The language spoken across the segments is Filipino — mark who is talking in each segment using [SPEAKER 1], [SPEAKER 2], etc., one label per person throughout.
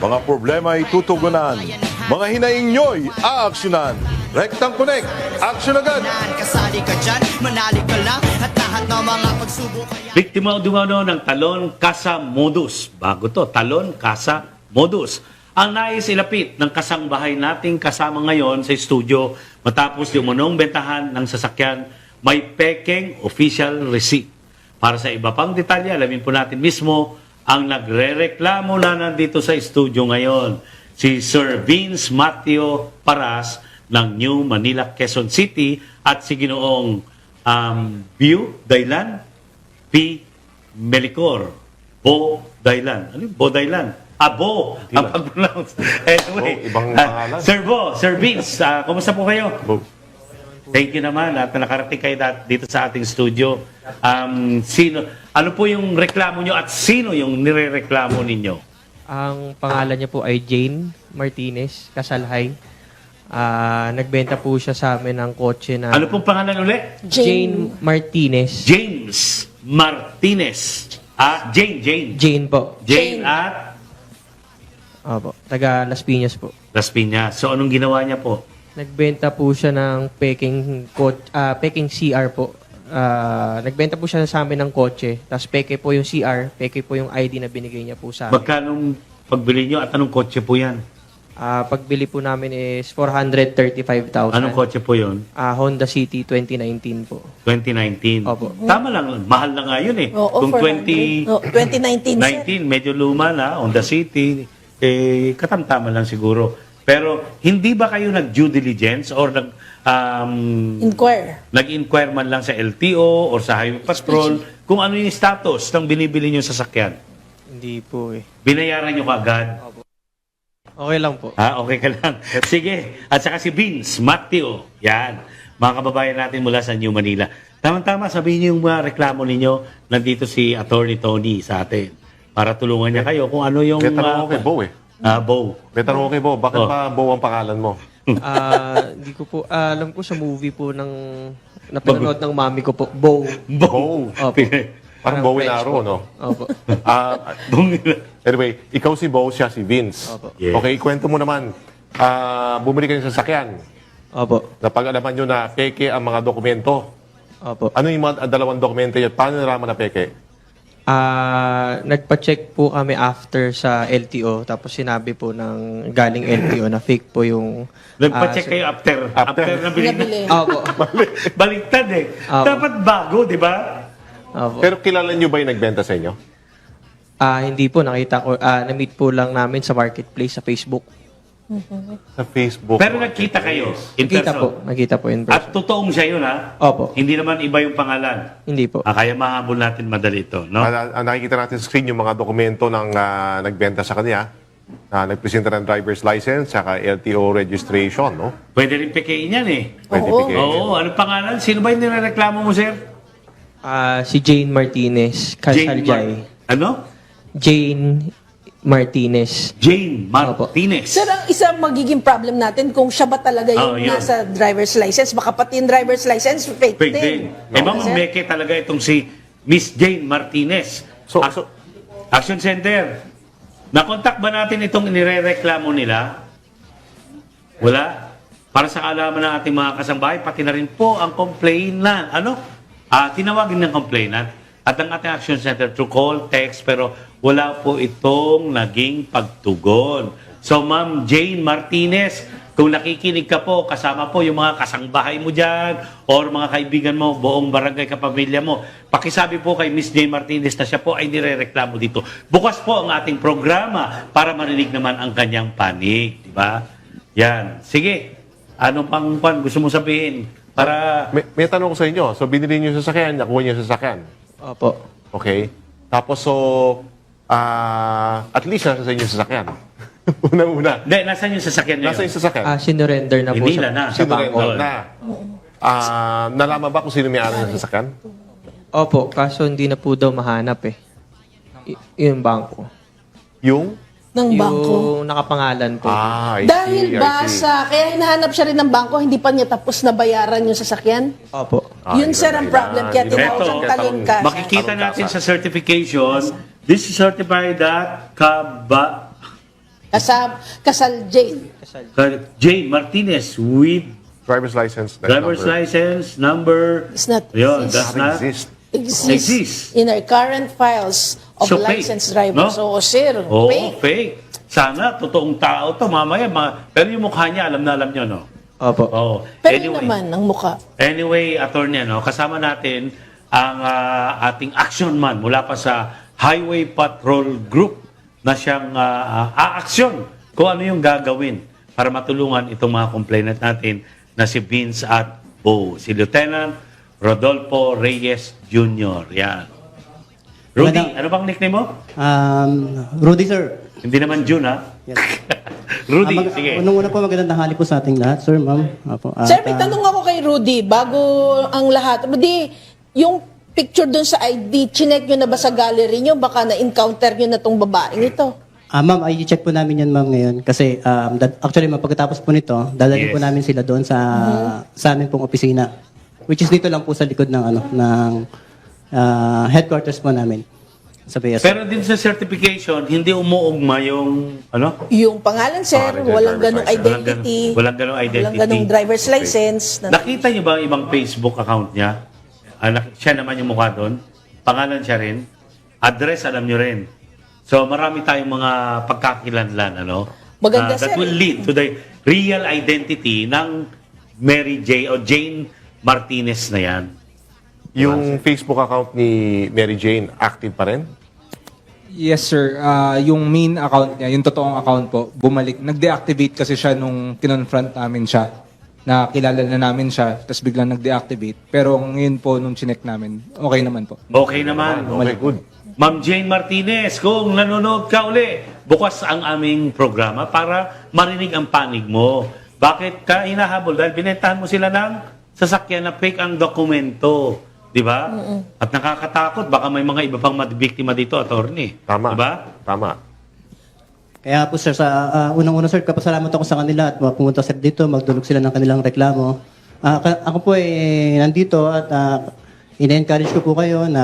[SPEAKER 1] Mga problema ay tutugunan. Mga hinaing nyo'y aaksyonan. Rectang Connect, action agad!
[SPEAKER 2] Kasali ka dyan, manali ka lang at lahat ng mga pagsubok ay
[SPEAKER 3] Biktima dumano ng talon kasa modus. Bago to, talon kasa modus. Ang nais ilapit ng kasangbahay nating kasama ngayon sa studio matapos yung umunong bentahan ng sasakyan may pekeng official receipt. Para sa iba pang detalye, alamin po natin mismo ang nagrereklamo na nandito sa studio ngayon. Si Sir Vince Mateo Paras ng New Manila, Quezon City at si Ginoong View Dailan P. Melicor. Bo Dailan. Ano yung Bo Dailan? Bo. Ang pag-pronounce. Anyway.
[SPEAKER 4] Ibang pangalan.
[SPEAKER 3] Sir Vince, kumusta po kayo?
[SPEAKER 4] Bo.
[SPEAKER 3] Thank you naman at nakarating kayo dito sa ating studio. Ano po yung reklamo nyo at sino yung nirereklamo ninyo?
[SPEAKER 5] Ang pangalan niya po ay Jane Martinez Kasalhay. Nagbenta po siya sa amin ng kotse na...
[SPEAKER 3] Ano pong pangalan ulit?
[SPEAKER 5] Jane Martinez.
[SPEAKER 3] James Martinez. Jane.
[SPEAKER 5] Jane po.
[SPEAKER 3] Jane at
[SPEAKER 5] Opo, taga Las Piñas po.
[SPEAKER 3] Las Piñas. So anong ginawa niya po?
[SPEAKER 5] Nagbenta po siya ng peking CR po. Nagbenta po siya sa amin ng kotse. Tapos peke po yung CR, peke po yung ID na binigay niya po sa amin.
[SPEAKER 3] Magkano pagbili nyo at anong kotse po yan?
[SPEAKER 5] Pagbili po namin is 435,000.
[SPEAKER 3] Anong kotse po yun?
[SPEAKER 5] Honda City 2019 po.
[SPEAKER 3] 2019.
[SPEAKER 5] Opo.
[SPEAKER 3] Tama lang, mahal na nga yun eh.
[SPEAKER 6] Oo,
[SPEAKER 3] Kung
[SPEAKER 6] 2019, sir.
[SPEAKER 3] 19, medyo luma na, Honda City, katamtama lang siguro. Pero hindi ba kayo nag-due diligence or nag-inquire man lang sa LTO or sa Highway Patrol kung ano yung status ng binibili nyo sasakyan?
[SPEAKER 5] Hindi po eh.
[SPEAKER 3] Binayaran nyo kaagad?
[SPEAKER 5] Okay lang po.
[SPEAKER 3] Okay ka lang. Sige. At saka si Vince Mateo. Yan. Mga kababayan natin mula sa New Manila. Tama-tama, sabihin niyo yung mga reklamo ninyo. Nandito si Attorney Tony sa atin. Para tulungan niya kayo kung ano yung...
[SPEAKER 4] May tanong ko kay Bo eh.
[SPEAKER 3] Bo.
[SPEAKER 4] May tanong ko kay Bo. Bakit
[SPEAKER 3] Oh.
[SPEAKER 4] ba Bo ang pangalan mo?
[SPEAKER 5] Hindi ko po, alam ko sa movie po ng napanood ng mami ko po, Bo.
[SPEAKER 4] Bo.
[SPEAKER 5] Opo.
[SPEAKER 4] Parang Bowie Naro, no?
[SPEAKER 5] Opo.
[SPEAKER 4] Anyway, ikaw si Bo, siya si Vince.
[SPEAKER 5] Opo.
[SPEAKER 3] Yes.
[SPEAKER 4] Okay, kwento mo naman. Bumili kayo ng sasakyan.
[SPEAKER 5] Opo.
[SPEAKER 4] Napag-alaman nyo na peke ang mga dokumento.
[SPEAKER 5] Opo.
[SPEAKER 4] Ano yung mga dalawang dokumento yun? Paano nalaman na peke?
[SPEAKER 5] Nagpa-check po kami after sa LTO, tapos sinabi po ng galing LTO na fake po yung...
[SPEAKER 3] Nagpa-check kayo after na bilhin.
[SPEAKER 6] Nabili.
[SPEAKER 5] Opo.
[SPEAKER 3] Baliktad eh.
[SPEAKER 5] Opo.
[SPEAKER 3] Dapat bago, di ba?
[SPEAKER 5] Opo.
[SPEAKER 4] Pero kilala nyo ba yung nagbenta sa inyo?
[SPEAKER 5] Hindi po, nakita ko, na-meet po lang namin sa marketplace sa Facebook.
[SPEAKER 4] Sa Facebook.
[SPEAKER 3] Pero nagkita kayo in person.
[SPEAKER 5] Nakita po in person.
[SPEAKER 3] At totoong siya yun, ha?
[SPEAKER 5] Opo.
[SPEAKER 3] Hindi naman iba yung pangalan.
[SPEAKER 5] Hindi po.
[SPEAKER 3] Kaya mahabol natin madali ito, no?
[SPEAKER 4] Ang nakikita natin sa screen yung mga dokumento ng nagbenta sa kanya na nagpresenta ng driver's license saka LTO registration, no?
[SPEAKER 3] Pwede rin pekein yan eh.
[SPEAKER 4] Pwede
[SPEAKER 6] Oo.
[SPEAKER 4] pikein.
[SPEAKER 3] Oo, anong pangalan? Sino ba yung nireklamo mo, sir?
[SPEAKER 5] Si Jane Martinez Kasaljay.
[SPEAKER 3] Ano?
[SPEAKER 5] Jane Martinez.
[SPEAKER 3] Jane Martinez.
[SPEAKER 6] Sir, ang isa magiging problem natin kung siya ba talaga yung
[SPEAKER 3] Yun.
[SPEAKER 6] nasa driver's license. Baka pati yung driver's license, fake
[SPEAKER 3] Fake
[SPEAKER 6] din.
[SPEAKER 3] din. Eh,
[SPEAKER 6] Sir?
[SPEAKER 3] mamameke talaga itong si Miss Jane Martinez.
[SPEAKER 4] So-
[SPEAKER 3] Action Center. Nakontak ba natin itong inirereklamo nila? Wala. Para sa kaalaman ng ating mga kasambahay, pati na rin po ang complainant. Tinawagin ng complainant at ang ating Action Center through call, text, pero wala po itong naging pagtugon. So, Ma'am Jane Martinez, kung nakikinig ka po, kasama po yung mga kasangbahay mo dyan or mga kaibigan mo, buong barangay kapamilya mo, pakisabi po kay Miss Jane Martinez na siya po ay nirereklamo dito. Bukas po ang ating programa para marinig naman ang kanyang panig. Di ba? Yan. Sige. Ano pang gusto mo sabihin? Para...
[SPEAKER 4] May tanong ko sa inyo. So, binili nyo yung sasakyan, nakuha nyo yung sasakyan.
[SPEAKER 5] Opo.
[SPEAKER 4] Okay? Tapos, at least nasa sa inyo yung sasakyan. Unang-una.
[SPEAKER 3] Hindi, nasaan yung sasakyan ngayon?
[SPEAKER 4] Nasa yung sasakyan?
[SPEAKER 5] Sinurrender na po
[SPEAKER 3] Hinila na.
[SPEAKER 5] sa bangko.
[SPEAKER 4] Sinurrender na. Nalaman ba kung sino may-ari ng sasakyan?
[SPEAKER 5] Opo, kaso hindi na po daw mahanap eh. Yung bangko.
[SPEAKER 4] Yung?
[SPEAKER 6] Ng bangko.
[SPEAKER 5] Yung nakapangalan po.
[SPEAKER 4] I
[SPEAKER 6] Dahil
[SPEAKER 4] see, I
[SPEAKER 6] ba
[SPEAKER 4] see.
[SPEAKER 6] kaya hinahanap siya rin ng bangko, hindi pa niya tapos na bayaran yung sasakyan?
[SPEAKER 5] Opo.
[SPEAKER 6] Yun, sir, ang problem. Kaya tinawag
[SPEAKER 3] Ito,
[SPEAKER 6] siyang talon ka.
[SPEAKER 3] makikita
[SPEAKER 4] Talon
[SPEAKER 3] natin
[SPEAKER 4] kasa.
[SPEAKER 3] sa certification, this is certified that
[SPEAKER 6] Kasal Jane.
[SPEAKER 3] Jane Martinez with
[SPEAKER 4] Driver's license.
[SPEAKER 3] driver's license number.
[SPEAKER 6] It's not
[SPEAKER 3] Yun,
[SPEAKER 6] exist.
[SPEAKER 3] does not
[SPEAKER 4] exist.
[SPEAKER 6] Exists
[SPEAKER 3] Exist.
[SPEAKER 6] in our current files of
[SPEAKER 3] So, fake,
[SPEAKER 6] licensed drivers.
[SPEAKER 3] no?
[SPEAKER 6] So, sir,
[SPEAKER 3] Oo,
[SPEAKER 6] fake.
[SPEAKER 3] fake. Sana, totoong tao to. Mamaya, pero yung mukha niya, alam na alam nyo, no?
[SPEAKER 5] Opo.
[SPEAKER 3] Oo.
[SPEAKER 6] Pero yun naman, ang mukha.
[SPEAKER 3] Anyway, attorney, no, kasama natin ang ating action man mula pa sa Highway Patrol Group na siyang aaksyon kung ano yung gagawin para matulungan itong mga complainant natin na si Vince at Bo. Si Lieutenant Rodolfo Reyes Jr. Yan. Rudy,
[SPEAKER 7] Madam-
[SPEAKER 3] ano bang nickname mo?
[SPEAKER 7] Rudy, sir.
[SPEAKER 3] Hindi naman June, ha?
[SPEAKER 7] Yes.
[SPEAKER 3] Rudy, sige.
[SPEAKER 7] Unang-una po, magandang tanghali po sa ating lahat, sir, ma'am. Apo, at,
[SPEAKER 6] Sir, may tanong ako kay Rudy, bago ang lahat. Rudy, yung picture dun sa ID, chinek nyo na ba sa gallery nyo? Baka na-encounter nyo na tong babaeng ito.
[SPEAKER 7] ma'am, i-check po namin yan, ma'am, ngayon. Kasi, actually, ma'am, pagkatapos po nito, dadalhin
[SPEAKER 3] Yes.
[SPEAKER 7] po namin sila doon sa amin pong opisina. Which is dito lang po sa likod ng headquarters po namin. Sa BS.
[SPEAKER 3] Pero din sa certification, hindi umuugma yung, ano?
[SPEAKER 6] Yung pangalan, sir,
[SPEAKER 4] Pangalan niya,
[SPEAKER 6] walang
[SPEAKER 4] driver's
[SPEAKER 6] ganong
[SPEAKER 4] license.
[SPEAKER 6] identity.
[SPEAKER 3] Walang ganong identity.
[SPEAKER 6] Walang ganong driver's license.
[SPEAKER 3] Nakita niyo ba ang ibang Facebook account niya? Siya naman yung mukha doon. Pangalan siya rin. Address, alam niyo rin. So, marami tayong mga pagkakilanlan, ano?
[SPEAKER 6] Maganda,
[SPEAKER 3] That
[SPEAKER 6] sir.
[SPEAKER 3] will lead to the real identity ng Mary J. o Jane Martinez na yan.
[SPEAKER 4] Yung Facebook account ni Mary Jane, active pa rin?
[SPEAKER 8] Yes, sir. Yung main account niya, yung totoong account po, bumalik. Nag-deactivate kasi siya nung kinonfront namin siya. Nakilala na namin siya, tapos biglang nag-deactivate. Pero ngayon po, nung chinek namin, okay naman po.
[SPEAKER 3] Okay naman.
[SPEAKER 4] Okay, good.
[SPEAKER 3] Ma'am Jane Martinez, kung nanonood ka uli, bukas ang aming programa para marinig ang panig mo. Bakit ka hinahabol? Dahil binentahan mo sila ng sasakyan na fake ang dokumento. Di ba? At nakakatakot. Baka may mga iba pang biktima dito, attorney.
[SPEAKER 4] Tama.
[SPEAKER 3] Di ba?
[SPEAKER 4] Tama.
[SPEAKER 7] Kaya po, sir, sa unang-una, sir, kapasalamat ako sa kanila at pumunta sir dito, magdulog sila ng kanilang reklamo. Ako po nandito at ina-encourage ko po kayo na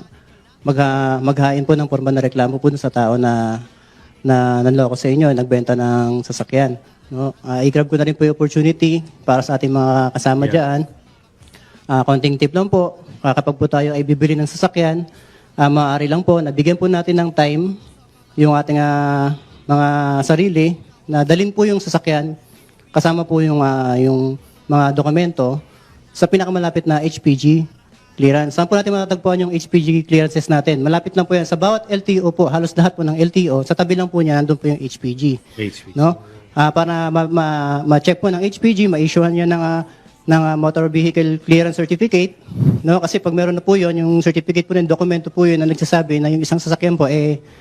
[SPEAKER 7] maghain po ng formal na reklamo po sa tao na nanloko sa inyo, nagbenta ng sasakyan. No? I-grab ko na rin po yung opportunity para sa ating mga kasama dyan. Konting tip lang po, kapag po tayo ay bibili ng sasakyan, maaari lang po, nabigyan po natin ng time yung ating mga sarili na dalhin po yung sasakyan kasama po yung mga dokumento sa pinakamalapit na HPG clearance. Saan po natin matatagpuan yung HPG clearances natin? Malapit lang po yan. Sa bawat LTO po, halos lahat po ng LTO, sa tabi lang po niya, nandun po yung HPG.
[SPEAKER 3] HPG.
[SPEAKER 7] No? Para ma-check po ng HPG, ma-issuehan niya ng motor vehicle clearance certificate, no? Kasi pag meron na po 'yon, yung certificate po ng dokumento po 'yun na nagsasabi na yung isang sasakyan po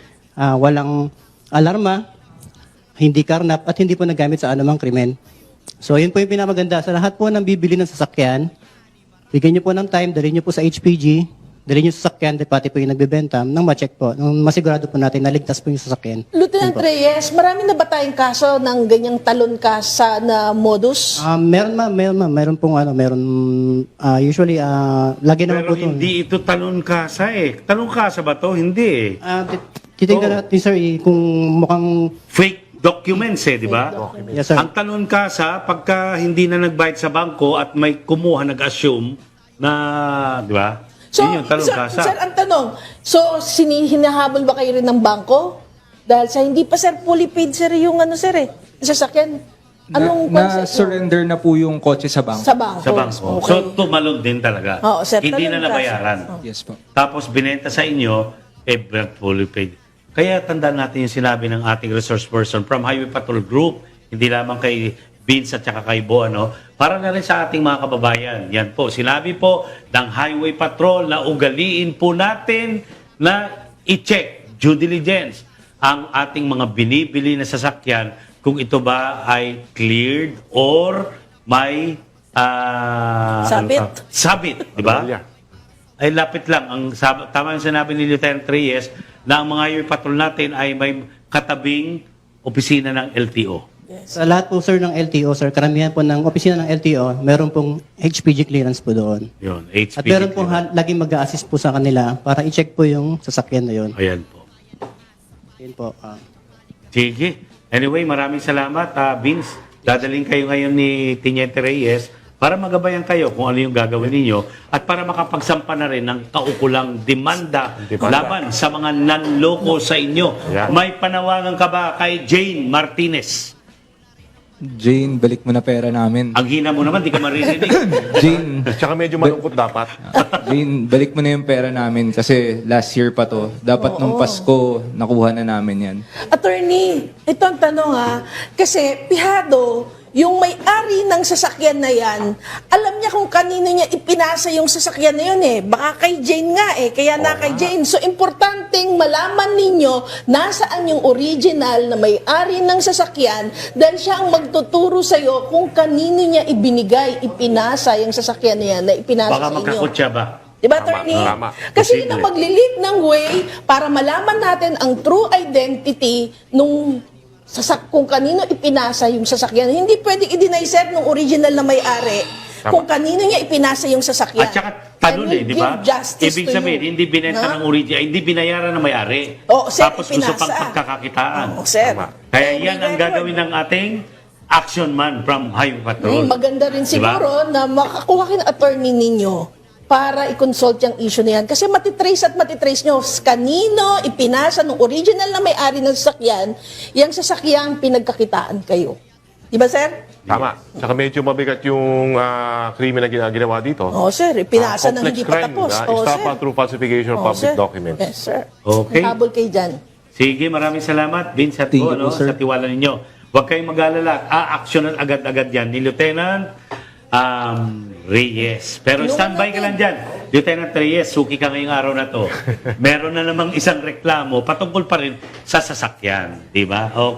[SPEAKER 7] walang alarma, hindi karnap at hindi po nagamit sa anumang krimen. So, yun po yung pinamaganda sa lahat po ng bibili ng sasakyan. Bigyan niyo po ng time, dalhin niyo po sa HPG, dalhin niyo sa sasakyan, pati po yung nagbebenta, nang ma-check po, nang masigurado po natin na ligtas po yung sasakyan.
[SPEAKER 6] Lieutenant Reyes, marami na ba tayong kaso ng ganyang talon kasa na modus?
[SPEAKER 7] Meron pong usually lagi naman
[SPEAKER 3] Pero
[SPEAKER 7] po ito.
[SPEAKER 3] hindi ito talon kasa eh. Talon kasa ba to? Hindi eh.
[SPEAKER 7] Titingnan natin, sir, kung mukhang...
[SPEAKER 3] Fake documents eh, di ba?
[SPEAKER 7] Yes, sir.
[SPEAKER 3] Ang talon kasa, pagka hindi na nagbayad sa bangko at may kumuha, nag-assume na, di ba? Yun yung talon kasa.
[SPEAKER 6] Sir, ang tanong, so hinahabol ba kayo rin ng bangko? Dahil sa hindi pa, sir, fully paid, sir, yung sir, sasakyan. Anong concept mo?
[SPEAKER 8] Na-surrender na po yung kotse sa bank.
[SPEAKER 6] Sa bangko.
[SPEAKER 3] Sa bangko.
[SPEAKER 6] Okay.
[SPEAKER 3] So, tumalon din talaga.
[SPEAKER 6] Oo, sir,
[SPEAKER 3] Hindi
[SPEAKER 6] talon
[SPEAKER 3] na
[SPEAKER 6] kasa.
[SPEAKER 3] nabayaran.
[SPEAKER 8] Yes po.
[SPEAKER 3] Tapos, binenta sa inyo, fully paid. Kaya tandaan natin yung sinabi ng ating resource person from Highway Patrol Group, hindi lamang kay Vince at saka kay Bo, para na rin sa ating mga kababayan. Yan po, sinabi po ng Highway Patrol na ugaliin po natin na i-check, due diligence, ang ating mga binibili na sasakyan kung ito ba ay cleared or may sabit, di ba? Ay lapit lang. Tama yung sinabi ni Lieutenant Reyes na ang mga highway patrol natin ay may katabing opisina ng LTO.
[SPEAKER 7] Sa lahat po, sir, ng LTO, sir, karamihan po ng opisina ng LTO, meron pong HPG clearance po doon.
[SPEAKER 3] Yun, HPG.
[SPEAKER 7] At meron pong laging mag-a-assist po sa kanila para i-check po yung sasakyan na yun.
[SPEAKER 3] Ayan po.
[SPEAKER 7] Yun po.
[SPEAKER 3] Sige. Anyway, maraming salamat, Vince. Dadaling kayo ngayon ni Teniente Reyes para magabayan kayo kung ano yung gagawin ninyo at para makapagsampa na rin ng kaukulang demanda laban sa mga nanloko sa inyo.
[SPEAKER 4] Yan.
[SPEAKER 3] May panawagan ka ba kay Jane Martinez?
[SPEAKER 8] Jane, balik mo na pera namin.
[SPEAKER 3] Ang hina mo naman, di ka maririnig.
[SPEAKER 8] Jane,
[SPEAKER 4] Tsaka medyo malungkot dapat.
[SPEAKER 8] Jane, balik mo na yung pera namin kasi last year pa to. Dapat nung Pasko, nakuha na namin yan.
[SPEAKER 6] Attorney, ito ang tanong kasi pihado, yung may-ari ng sasakyan na yan, alam niya kung kanino niya ipinasa yung sasakyan na yun Baka kay Jane nga kaya na kay Jane. So, importanteng malaman ninyo nasaan yung original na may-ari ng sasakyan dahil siya ang magtuturo sa'yo kung kanino niya ipinasa yung sasakyan na yan na ipinasa
[SPEAKER 3] Baka
[SPEAKER 6] sa inyo.
[SPEAKER 3] magkakutsa ba?
[SPEAKER 6] Diba,
[SPEAKER 4] Tama,
[SPEAKER 6] attorney?
[SPEAKER 4] tama.
[SPEAKER 6] Kasi yun
[SPEAKER 3] Posible.
[SPEAKER 6] ang maglilit ng way para malaman natin ang true identity nung kung kanino ipinasa yung sasakyan. Hindi pwedeng i-deny, sir, nung original na may-ari kung kanino niya ipinasa yung sasakyan.
[SPEAKER 3] At saka tanong
[SPEAKER 6] And
[SPEAKER 3] di
[SPEAKER 6] we'll
[SPEAKER 3] ba?
[SPEAKER 6] give justice
[SPEAKER 3] Ibig
[SPEAKER 6] to
[SPEAKER 3] sabihin,
[SPEAKER 6] you.
[SPEAKER 3] hindi binenta
[SPEAKER 6] Na?
[SPEAKER 3] ng original, hindi binayaran ng may-ari.
[SPEAKER 6] Oo, sir,
[SPEAKER 3] Tapos gusto
[SPEAKER 6] ipinasa.
[SPEAKER 3] pang pagkakakitaan.
[SPEAKER 6] Oo, sir.
[SPEAKER 4] Tama.
[SPEAKER 3] Kaya
[SPEAKER 6] May
[SPEAKER 3] yan ang
[SPEAKER 6] record.
[SPEAKER 3] gagawin ng ating action man from Highway Patrol.
[SPEAKER 6] Maganda rin siguro na makakuha kayo ng attorney ninyo para i-consult yung issue na yan. Kasi matitrace nyo kanino ipinasa ng original na may-ari ng sasakyan, yung sasakyang pinagkakitaan kayo. Di ba, sir?
[SPEAKER 4] Tama. Tsaka medyo mabigat yung krimen na ginawa dito.
[SPEAKER 6] Oo, sir. Ipinasa ng
[SPEAKER 4] Complex
[SPEAKER 6] hindi pa
[SPEAKER 4] crime,
[SPEAKER 6] tapos. Oo,
[SPEAKER 4] Estafa
[SPEAKER 6] sir.
[SPEAKER 4] through falsification of
[SPEAKER 6] Oo,
[SPEAKER 4] public
[SPEAKER 6] sir.
[SPEAKER 4] documents.
[SPEAKER 6] Yes, sir.
[SPEAKER 3] Okay.
[SPEAKER 6] Habol kayo dyan.
[SPEAKER 3] Sige, maraming salamat, Vince at
[SPEAKER 8] Thank
[SPEAKER 3] Go,
[SPEAKER 8] you po, sir.
[SPEAKER 3] sa tiwala ninyo. Huwag kayong mag-alala. Aaksyonan agad-agad yan ni Lieutenant Reyes. Pero standby ka lang dyan. Lieutenant Reyes, suki ka ngayong araw na to. Meron na namang isang reklamo patungkol pa rin sa sasakyan. Di ba? Okay.